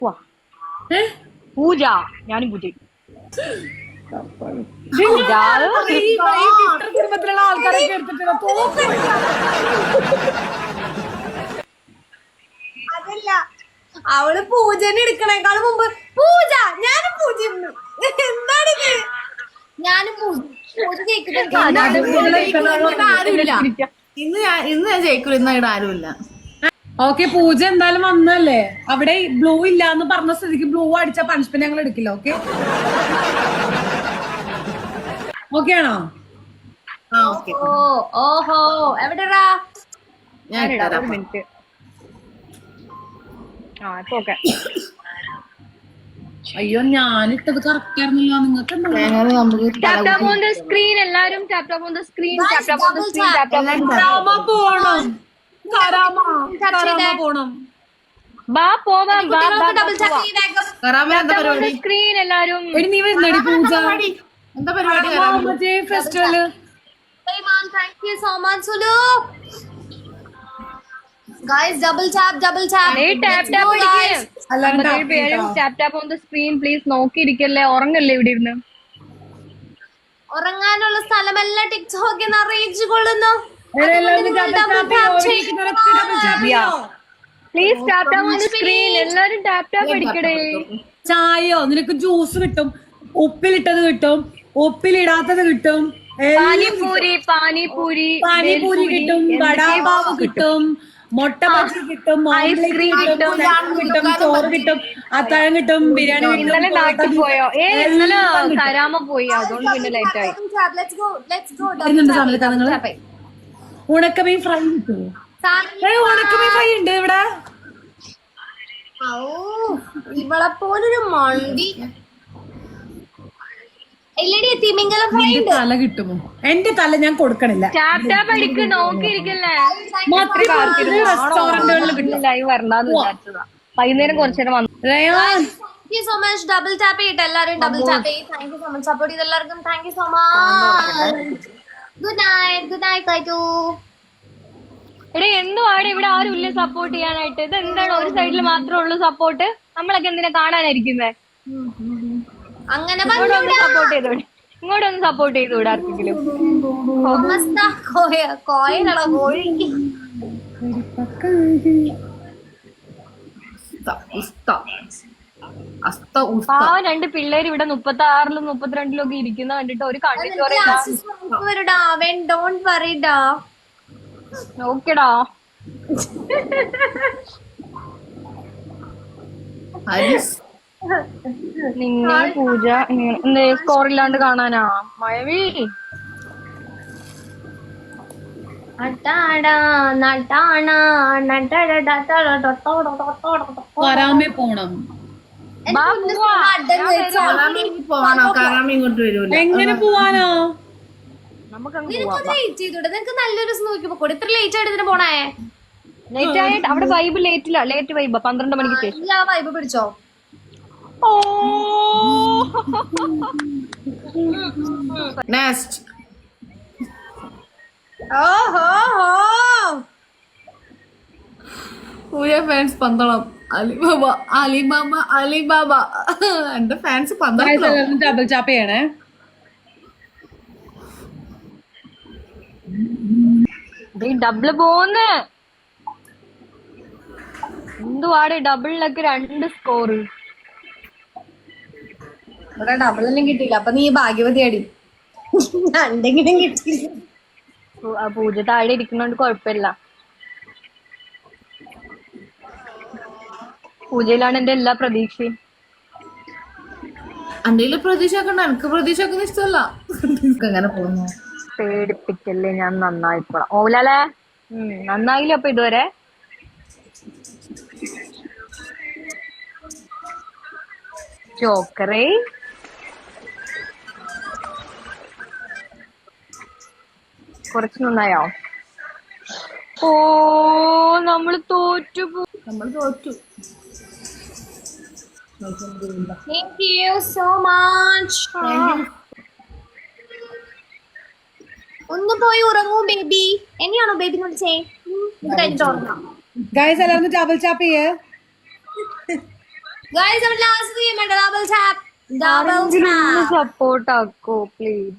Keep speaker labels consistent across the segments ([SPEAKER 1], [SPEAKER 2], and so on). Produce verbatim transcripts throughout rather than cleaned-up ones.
[SPEAKER 1] പൂജ ഞാനും പൂജ
[SPEAKER 2] കുടുംബത്തിലുള്ള ആൾക്കാരൊക്കെ എടുത്തിട്ടുള്ള
[SPEAKER 3] അതല്ല അവള് പൂജനെ എടുക്കണേക്കാൾ മുമ്പ് പൂജ ഞാനും പൂജ എന്താണിത് ഞാനും പൂജ പൂജ ജയിക്കുന്നുണ്ട്
[SPEAKER 4] ആരുമില്ല ഇന്ന് ഞാൻ ഇന്ന് ഞാൻ ജയിക്കൂല ഇന്ന് ഇവിടെ ആരുമില്ല.
[SPEAKER 2] ഓക്കെ പൂജ എന്തായാലും വന്നല്ലേ അവിടെ ബ്ലൂ ഇല്ല എന്ന് പറഞ്ഞ സ്ഥിതിക്ക് ബ്ലൂ അടിച്ച പണിഷ്മെന്റ് ഞങ്ങൾ എടുക്കില്ല. ഓക്കെ ഓക്കെ ആണോ?
[SPEAKER 3] ഓ ഓഹോ എവിടെടാ
[SPEAKER 4] ഞാൻ
[SPEAKER 1] ഒരു മിനിറ്റ് ആ ഇപ്പൊ ഓക്കെ.
[SPEAKER 2] അയ്യോ ഞാനിട്ടത് കറക്റ്റ് ആയിരുന്നല്ലോ. നിങ്ങൾക്ക്
[SPEAKER 1] tap tap on the screen എല്ലാരും tap tap on the screen tap tap on the screen tap tap
[SPEAKER 2] പോണം കരാമ കരാമ പോണം.
[SPEAKER 1] ബാ പോവാം ബാ
[SPEAKER 3] ഡബിൾ ടാപ്പ് ചെയ്യ് വേഗം
[SPEAKER 1] സ്ക്രീൻ എല്ലാരും.
[SPEAKER 2] എടി നീ വരുന്നടി പൂജ
[SPEAKER 4] എന്താ പരിപാടി?
[SPEAKER 2] മറ്റേ festival.
[SPEAKER 3] thank you so much Sulu guys double tap double tap
[SPEAKER 1] hey tap tap അടിക്ക്. അമ്പത്തേഴ് പേരും tap tap on the screen please. നോക്കിയിരിക്കല്ലേ ഉറങ്ങല്ലേ ഇവിടെ ഇരുന്ന്.
[SPEAKER 3] ഉറങ്ങാനുള്ള സ്ഥലമെല്ലാം ടിക്ടോക്കിൽ നിന്ന് അറിയിച്ചു കൊള്ളുന്നു.
[SPEAKER 1] Please tap tap on the screen എല്ലാരും ടാപ്പ് ടാപ്പ് അടിക്കടേ.
[SPEAKER 2] ചായയോ നിനക്ക് ജ്യൂസ് കിട്ടും, ഉപ്പിലിട്ടത് കിട്ടും, ഉപ്പിലിടാത്തത് കിട്ടും,
[SPEAKER 1] പാനിപൂരി പാനിപൂരി
[SPEAKER 2] പാനിപൂരി കിട്ടും, വടാപാവ് കിട്ടും, മുട്ട ബജി കിട്ടും,
[SPEAKER 1] ഐസ്ക്രീം കിട്ടും,
[SPEAKER 2] കിട്ടും, ചോറ് കിട്ടും, അത്താഴം കിട്ടും, ബിരിയാണി
[SPEAKER 1] ഇന്നലെ നാട്ടിൽ പോയോ? ഏ ഇന്നലെ കരാമ പോയി അതുകൊണ്ട് പിന്നെ ലേറ്റ് ആയി.
[SPEAKER 3] let's go let's go
[SPEAKER 2] ഉണക്കമീൻ ഫ്രൈ കിട്ടുമോ? ഉണക്കമീൻ ഫ്രൈ ഉണ്ട് ഇവിടെ.
[SPEAKER 3] ഇവളെ പോലൊരു മണ്ടി എല്ലടി തിമിംഗലം ഫ്രൈ ഉണ്ട്.
[SPEAKER 2] തല കിട്ടുമോ? എന്റെ തല ഞാൻ കൊടുക്കണില്ല.
[SPEAKER 1] ടാപ്പ് ടാപ്പ് അടിക്ക് നോക്കിയിരിക്കല്ലേ.
[SPEAKER 2] റെസ്റ്റോറന്റുകളിൽ
[SPEAKER 1] ലൈവ് വരണ്ടാന്ന് വിചാരിച്ചതാ. വൈകുന്നേരം കുറച്ചേരം വന്നു.
[SPEAKER 3] Thank you so much double tap ചെയ്തിട്ട് എല്ലാരും double tap ചെയ്യ്. thank you so much support ചെയ്ത എല്ലാവർക്കും thank you so much. good night good night കൈതു.
[SPEAKER 1] എടേ എന്തുവാടെ ഇവിടെ ആരും ഇല്ല സപ്പോർട്ട് ചെയ്യാനായിട്ട്. ഇത് എന്താണ് ഒരു സൈഡിൽ മാത്രമേ ഉള്ളൂ സപ്പോർട്ട്? നമ്മളൊക്കെ എന്തിനാ കാണാനായിരിക്കുന്നേ?
[SPEAKER 3] അങ്ങനെ
[SPEAKER 1] സപ്പോർട്ട് ചെയ്തോടെ ഇങ്ങോട്ടൊന്ന് സപ്പോർട്ട് ചെയ്തോടെ ആർക്കെങ്കിലും.
[SPEAKER 3] കോയിലോ കോഴി
[SPEAKER 1] ആ രണ്ട് പിള്ളേര് ഇവിടെ മുപ്പത്തി ആറിലും മുപ്പത്തിരണ്ടിലും ഒക്കെ ഇരിക്കുന്ന കണ്ടിട്ട് ഒരു കണ്ടിട്ട്
[SPEAKER 3] ഡോണ്ട് വറിഡാ.
[SPEAKER 1] ഓക്കെടാ നിന്നെ പൂജ സ്കോർ ഇല്ലാണ്ട് കാണാനാ മഴവി.
[SPEAKER 2] കരാമേ പോണം. എങ്ങനെ പോവാനോ?
[SPEAKER 3] നിനക്ക് നല്ലൊരു നോക്കിപ്പോ ഇത്ര ലേറ്റ് ആയിട്ട് ഇതിന് പോണേ.
[SPEAKER 1] ലേറ്റ് ആയിട്ട് അവിടെ വൈബ് ലേറ്റില്ല ലേറ്റ് വൈബ് പന്ത്രണ്ട് മണിക്ക് ശേഷം.
[SPEAKER 3] ആ വൈബ് പിടിച്ചോ?
[SPEAKER 4] നെക്സ്റ്റ്
[SPEAKER 3] ഓഹോ
[SPEAKER 4] Pooja fans Pandalam Alibaba Alibaba Alibaba എന്റെ ഫാൻസ് പന്തളം.
[SPEAKER 2] ഡബിൾ ചാപ്പ് ചെയ്യണേ.
[SPEAKER 1] ഡബിള് പോന്ന് എന്തുവാടെ ഡബിളിലൊക്കെ രണ്ട് സ്കോറ്.
[SPEAKER 3] ഇവിടെ ഡബിളൊന്നും കിട്ടിയില്ല. അപ്പൊ നീ ഭാഗ്യവതിയാടി. രണ്ടെങ്കിലും കിട്ടിയില്ല.
[SPEAKER 1] പൂജ താഴെ ഇരിക്കുന്നോണ്ട് കൊഴപ്പില്ല. പൂജയിലാണ് എന്റെ എല്ലാ പ്രതീക്ഷയും.
[SPEAKER 4] എന്റെ പ്രതീക്ഷ ഒക്കെ എനിക്ക് പ്രതീക്ഷ ഒക്കെ ഇഷ്ടമല്ല. അങ്ങനെ പോകുന്നു.
[SPEAKER 1] പേടിപ്പിക്കല്ലേ ഞാൻ നന്നായിപ്പോളാം. ഓലല്ലേ നന്നായില്ല അപ്പൊ ഇതുവരെ. ജോക്കറേ കുറച്ച് നന്നായോ? ഓ നമ്മള് തോറ്റു
[SPEAKER 4] നമ്മൾ തോറ്റു.
[SPEAKER 3] Thank you so much. ഒന്ന് പോയി ഉറങ്ങൂ ബേബി. എന്നെയാണോ ബേബി വിളിച്ചേ? ഇത് കഴിഞ്ഞിട്ട് ഉറങ്ങാം.
[SPEAKER 2] ഗൈസ് എല്ലാവരും ഡബിൾ ചാപ്പ് ചെയ്യേ.
[SPEAKER 3] ഗൈസ് നമ്മൾ ലാസ്റ്റ് ഗെയിം ഉണ്ട് double tap double tap
[SPEAKER 1] support ആക്കോ പ്ലീസ്.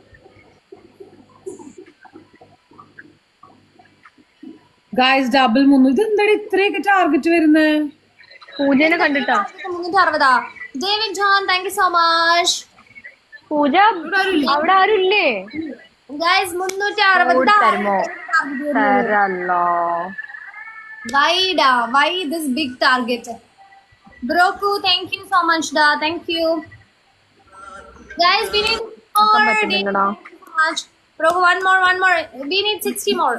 [SPEAKER 2] ഗായ്സ് ഡബിൾ മുന്നൂറ്. ഇത് എന്താണ് ഇത്രയൊക്കെ ടാർഗറ്റ് വരുന്നത്?
[SPEAKER 1] പൂജനെ കണ്ടിട്ടാ.
[SPEAKER 3] മുന്നൂറ്റി അറുപതാ. David John thank you so much.
[SPEAKER 1] Pooja അവിടെ ആരും ഇല്ലേ?
[SPEAKER 3] ഗൈസ് മുന്നൂറ്റി അറുപത്
[SPEAKER 1] തരുമോ? തരല്ലോ.
[SPEAKER 3] വൈഡാ വൈ ദിസ് ബിഗ് ടാർഗറ്റ്. ബ്രോക്കു താങ്ക് യു സോ മച്ച് ഡാ. Thank you guys. We need
[SPEAKER 1] പറ്റുന്നുണ്ടോ?
[SPEAKER 3] ബ്രോക്കു one more one more. We need sixty more.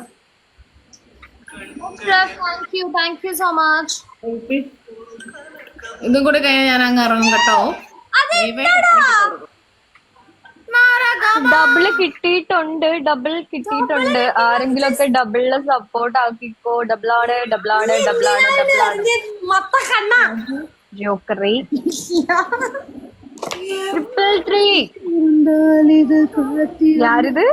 [SPEAKER 3] Thank you thank you so much.
[SPEAKER 4] ഇതും കൂടെ കഴിഞ്ഞാൽ ഞാൻ അങ്ങ് ഇറങ്ങും കേട്ടോ.
[SPEAKER 1] ഡബിള് കിട്ടിയിട്ടുണ്ട്, ഡബിൾ കിട്ടിയിട്ടുണ്ട്. ആരെങ്കിലും ഒക്കെ ഡബിളില് സപ്പോർട്ട് ആക്കിക്കോ. ഡബിളാണ് ഡബിളാണ് ഡബിളാണ് ഡബിളാണ്.
[SPEAKER 3] മൊത്ത കണ്ണ
[SPEAKER 1] ജോക്കറി ട്രിപ്പിൾ ത്രീ. ഞാരിത്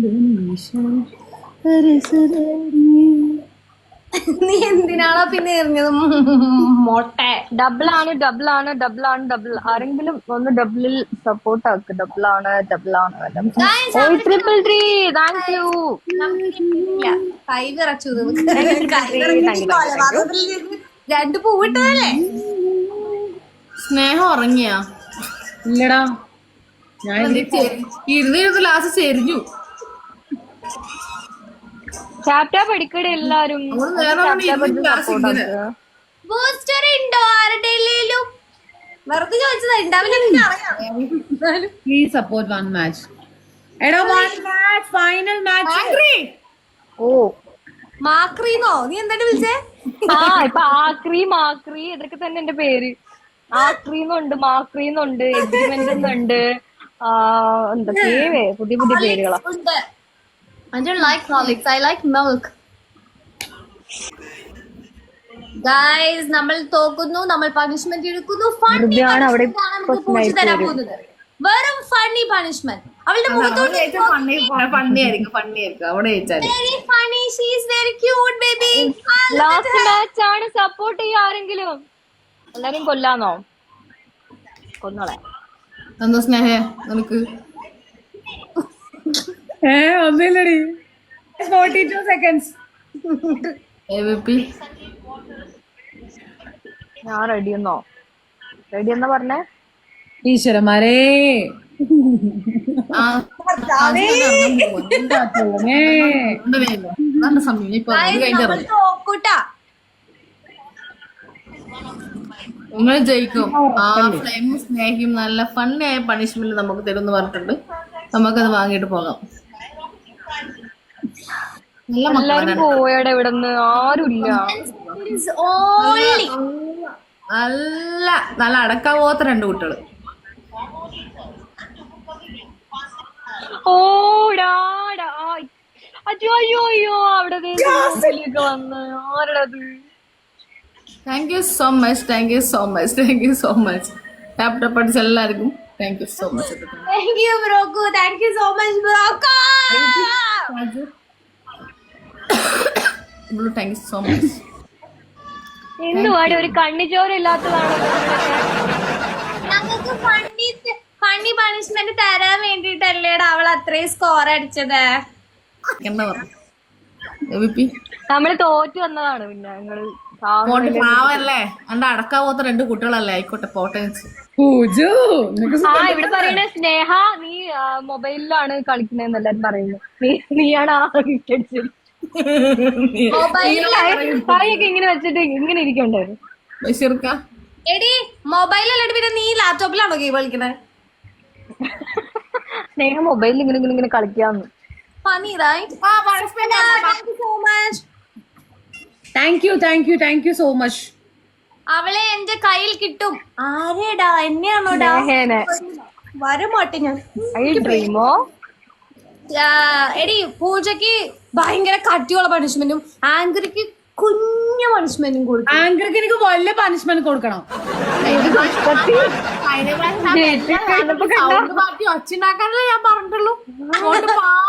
[SPEAKER 3] നീ എന്തിനാണോ പിന്നെ എറിഞ്ഞത് മോട്ടെ?
[SPEAKER 1] ഡബിളാണ് ഡബിളാണ് ഡബിളാണ് ഡബിൾ. ആരെങ്കിലും ഒന്ന് ഡബിളിൽ സപ്പോർട്ട് ആക്ക്. ഡബിളാണ് ഡബിളാണ് ട്രിപ്പിൾ ത്രീ. Thank you.
[SPEAKER 3] കൈ വിറച്ചു. രണ്ട് പൂവിട്ടതല്ലേ?
[SPEAKER 4] സ്നേഹം ഉറങ്ങിയാ?
[SPEAKER 2] ഇല്ലടാ, ഞാൻ
[SPEAKER 4] ഇരുന്നിരുന്ന് ലാസ്റ്റ് ചെരിഞ്ഞു.
[SPEAKER 1] ടാപ്ടാപ്പ് അടിക്കടെ എല്ലാരും.
[SPEAKER 3] ബൂസ്റ്റർ ഉണ്ടോ ആരുടെയിലും? വെറുതെ ചോദിച്ചതാ. ഉണ്ടാവില്ല. അറിയാം.
[SPEAKER 2] Please support one match. എടാ വൺ മാച്ച്, ഫൈനൽ മാച്ച്.
[SPEAKER 1] ഓ
[SPEAKER 3] മാക്രീന്നോ? നീ എന്താണ് വിളിച്ചേ?
[SPEAKER 1] ആ ഇപ്പൊ ആക്രി മാക്രി ഇതൊക്കെ തന്നെ എന്റെ പേര്. ആക്രീന്നുണ്ട്, മാക്രീന്നുണ്ട്, എഗ്രിമെന്റ് എന്നുണ്ട്. ആ എന്തൊക്കെയേ പുതിയ പുതിയ പേരുകളാ.
[SPEAKER 3] I don't like Horlicks. I like milk. Guys, നമ്മൾ തോക്കുന്നു, നമ്മൾ പണിഷ്മെന്റ് എടുക്കുന്നു. ഫണ്ണി
[SPEAKER 1] അവിടെ
[SPEAKER 3] തരാൻ പോകുന്നത് വെറും ഫണ്ണി പണിഷ്മെന്റ്. അവളുടെ മുഖത്തോട്ട്
[SPEAKER 4] ഫണ്ണിയായിരിക്കും ഫണ്ണിയായിരിക്കും അവിടെ വെച്ചാൽ
[SPEAKER 3] very funny. She is very cute baby.
[SPEAKER 1] Last match ആണ്. സപ്പോർട്ട് ചെയ്യാ ആരെങ്കിലും. എല്ലാരും കൊല്ലാന്നോ? കൊന്നോളെ.
[SPEAKER 4] എന്താ സ്നേഹ നിനക്ക്?
[SPEAKER 2] ഏ ഒന്നുമില്ലടി. Forty two seconds.
[SPEAKER 1] ഞാൻ റെഡി എന്നോ? റെഡി എന്നാ പറഞ്ഞേ?
[SPEAKER 2] ഈശ്വരന്മാരേ,
[SPEAKER 4] സമയം ഇപ്പൊ കഴിഞ്ഞിറങ്ങി.
[SPEAKER 3] നോക്കൂട്ടാ.
[SPEAKER 4] നിങ്ങൾ ജയിക്കും. ആ ഫ്ലെയിമും സ്നേഹിയും നല്ല ഫണ്ണായ പണിഷ്മെന്റ് നമുക്ക് തരുമെന്ന് പറഞ്ഞിട്ടുണ്ട്. നമുക്കത് വാങ്ങിയിട്ട് പോകാം. നല്ല
[SPEAKER 1] എല്ലാരും പോയടെ ഇവിടുന്ന് ആരുമില്ല.
[SPEAKER 4] നല്ല നല്ല അടക്കാൻ പോകാത്ത രണ്ട് കുട്ടികള്.
[SPEAKER 1] ഓടാടാ. അയ്യോ അയ്യോ അയ്യോ അവിടെ വന്ന് ആരുടത്?
[SPEAKER 4] Thank you so much thank you so much thank you so much. Laptop പഠിച്ച എല്ലാവർക്കും thank you so much.
[SPEAKER 3] Thank you Broku. Thank you so much Broku.
[SPEAKER 4] Thank you so much.
[SPEAKER 1] എന്തുവാടി ഒരു കണ്ണിച്ചോര ഇല്ലാത്തതാണ്.
[SPEAKER 3] ഞങ്ങൾക്ക് ഫണ്ണി ഫണ്ണി പണിഷ്മെന്റ് തരാൻ വേണ്ടിട്ടല്ലേടാ അവൾ അത്രയും score അടിച്ചത്.
[SPEAKER 4] എന്താ പറഞ്ഞു?
[SPEAKER 1] നമ്മള് തോറ്റു വന്നതാണ്. പിന്നെ ഞങ്ങള്
[SPEAKER 4] പാവല്ലേ എന്റെ അടക്കാൻ പോകാത്ത രണ്ട് കുട്ടികളല്ലേ. ആയിക്കോട്ടെ പോട്ടെ.
[SPEAKER 1] ആ ഇവിടെ പറയണ സ്നേഹ നീ മൊബൈലിലാണ് കളിക്കണെന്ന് എല്ലാരും പറയുന്നു. നീ നീയാണ് ആ വിക്കറ്റ്. കൈയൊക്കെ ഇങ്ങനെ വെച്ചിട്ട് ഇങ്ങനെ ഇരിക്കണ്ടായിരുന്നു.
[SPEAKER 3] എടി മൊബൈലല്ലേ പിന്നെ നീ ലാപ്ടോപ്പിലാണോ ഗെയിം കളിക്കണേ?
[SPEAKER 1] സ്നേഹ മൊബൈലിൽ ഇങ്ങനെ ഇങ്ങനെ ഇങ്ങനെ കളിക്കാന്ന്.
[SPEAKER 3] Funny right? Thank you so much.
[SPEAKER 2] Thank you thank you thank you so much.
[SPEAKER 3] അവളെ എന്റെ കയ്യിൽ കിട്ടും. ആരേടാ? എന്നെയാണോടാ? വരമാട്ടെ ഞാൻ.
[SPEAKER 1] ഡ്രീമോ?
[SPEAKER 3] എടി പൂജക്ക് ഭയങ്കര കട്ടിയുള്ള പണിഷ്മെന്റും ആങ്കറിക്ക് കുഞ്ഞു പണിഷ്മെന്റും കൊടുക്കും.
[SPEAKER 2] ആങ്കർക്ക് എനിക്ക് വലിയ പണിഷ്മെന്റ് കൊടുക്കണം.
[SPEAKER 4] ഒച്ചുണ്ടാക്കാനല്ലേ ഞാൻ പറഞ്ഞിട്ടുള്ളൂ.